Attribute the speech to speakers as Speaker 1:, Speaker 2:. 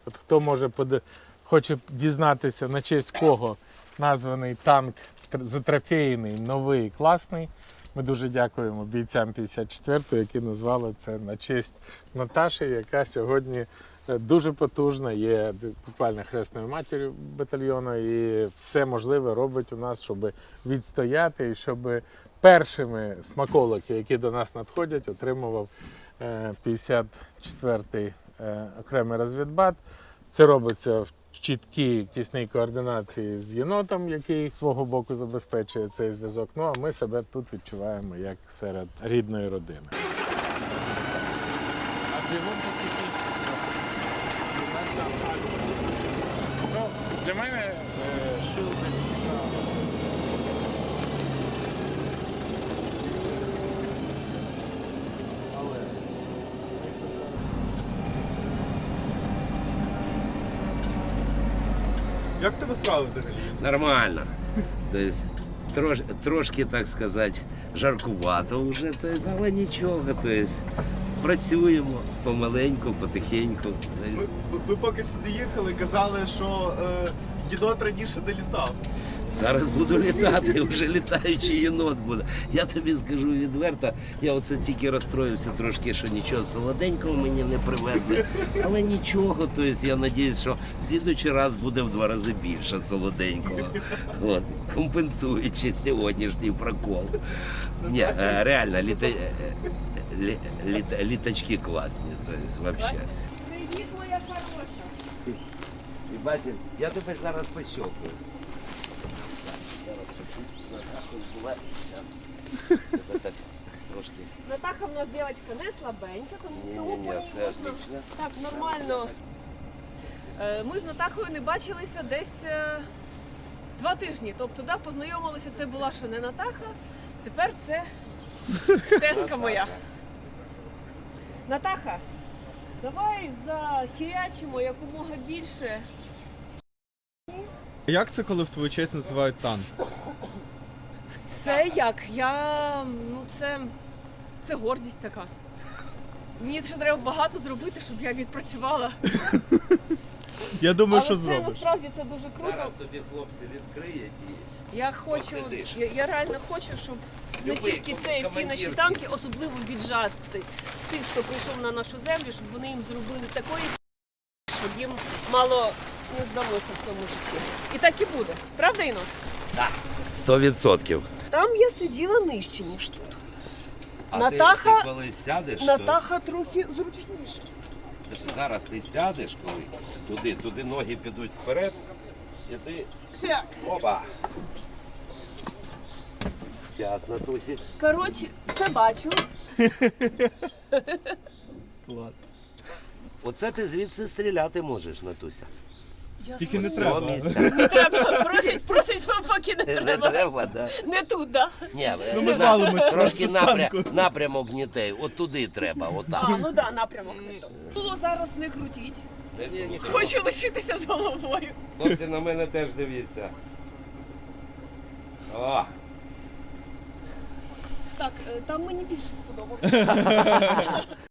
Speaker 1: От хто може хоче дізнатися, на честь кого названий танк затрофейний, новий, класний. Ми дуже дякуємо бійцям 54-ї, які назвали це на честь Наташі, яка сьогодні дуже потужна, є буквально хресною матір'ю батальйону і все можливе робить у нас, щоб відстояти і щоб першими смаколики, які до нас надходять, отримував 54-й окремий розвідбат. Це робиться в чіткій, тісній координації з єнотом, який з свого боку забезпечує цей зв'язок. Ну а ми себе тут відчуваємо як серед рідної родини. Ну, для мене шилдинг.
Speaker 2: Як в тебе справи взагалі?
Speaker 3: Нормально. Тобто, трошки, так сказати, жаркувато вже, тобто, але нічого. Тобто, працюємо помаленьку, потихеньку.
Speaker 2: Ми поки сюди їхали, казали, що єнот раніше не літав.
Speaker 3: Зараз буду літати, вже літаючий єнот буде. Я тобі скажу відверто, я оце тільки розстроївся трошки, що нічого солоденького мені не привезли. Але нічого, тобто я сподіваюся, що в слідуючий раз буде в 2 рази більше солоденького. От, компенсуючи сьогоднішній прокол. Ні, реально, літачки класні, тобто, взагалі.
Speaker 4: Привіт, моя хороша.
Speaker 3: І бачиш, я тебе зараз пощокую. Трошки.
Speaker 4: Натаха в нас дівчинка не слабенька, тому
Speaker 3: Ні, все отлично.
Speaker 4: так нормально. Ми з Натахою не бачилися десь 2 тижні. Тобто, да, познайомилися, це була ще не Натаха, тепер це тезка моя. Натаха, давай захірячимо якомога більше.
Speaker 2: Як це, коли в твою честь називають танк?
Speaker 4: Це як? Це гордість така. Мені ще треба багато зробити, щоб я відпрацювала.
Speaker 2: Я думаю,
Speaker 4: Але
Speaker 2: що
Speaker 4: це
Speaker 2: зробиш.
Speaker 4: насправді це дуже круто.
Speaker 3: Зараз тобі хлопці відкриють і
Speaker 4: Я хочу,
Speaker 3: посидиш.
Speaker 4: я реально хочу, щоб не
Speaker 3: Любий
Speaker 4: тільки це, всі наші
Speaker 3: командирський.
Speaker 4: танки, особливо віджати тих, хто прийшов на нашу землю, щоб вони їм зробили такої, щоб їм мало не здалося в цьому житті. І так і буде. Правда, Іно?
Speaker 3: 100%.
Speaker 4: Там я сиділа нижче, ніж тут.
Speaker 3: А
Speaker 4: Натаха-
Speaker 3: ти коли сядеш,
Speaker 4: Натаха трохи зручніше.
Speaker 3: то зараз ти сядеш, коли туди ноги підуть вперед, і ти
Speaker 4: Так.
Speaker 3: опа. Щас, Натусі.
Speaker 4: Коротше, все бачу.
Speaker 2: Клас.
Speaker 3: Оце ти звідси стріляти можеш, Натуся.
Speaker 4: Я
Speaker 2: Тільки не
Speaker 4: зрозуміла.
Speaker 2: треба.
Speaker 3: Місця.
Speaker 4: Не треба. Просить, поки не
Speaker 3: Не
Speaker 4: треба.
Speaker 3: треба, да.
Speaker 4: Не тут, да?
Speaker 3: Ні,
Speaker 2: Ну, ми звалимось
Speaker 3: трошки
Speaker 2: просто з танку.
Speaker 3: напрямок гнітей. От туди треба, отак.
Speaker 4: А, ну да, напрямок не то. Було зараз не крутіть.
Speaker 3: Ні,
Speaker 4: Хочу лишитися з головою.
Speaker 3: Хлопці, на мене теж дивіться. О,
Speaker 4: Так, там мені більше сподобалося.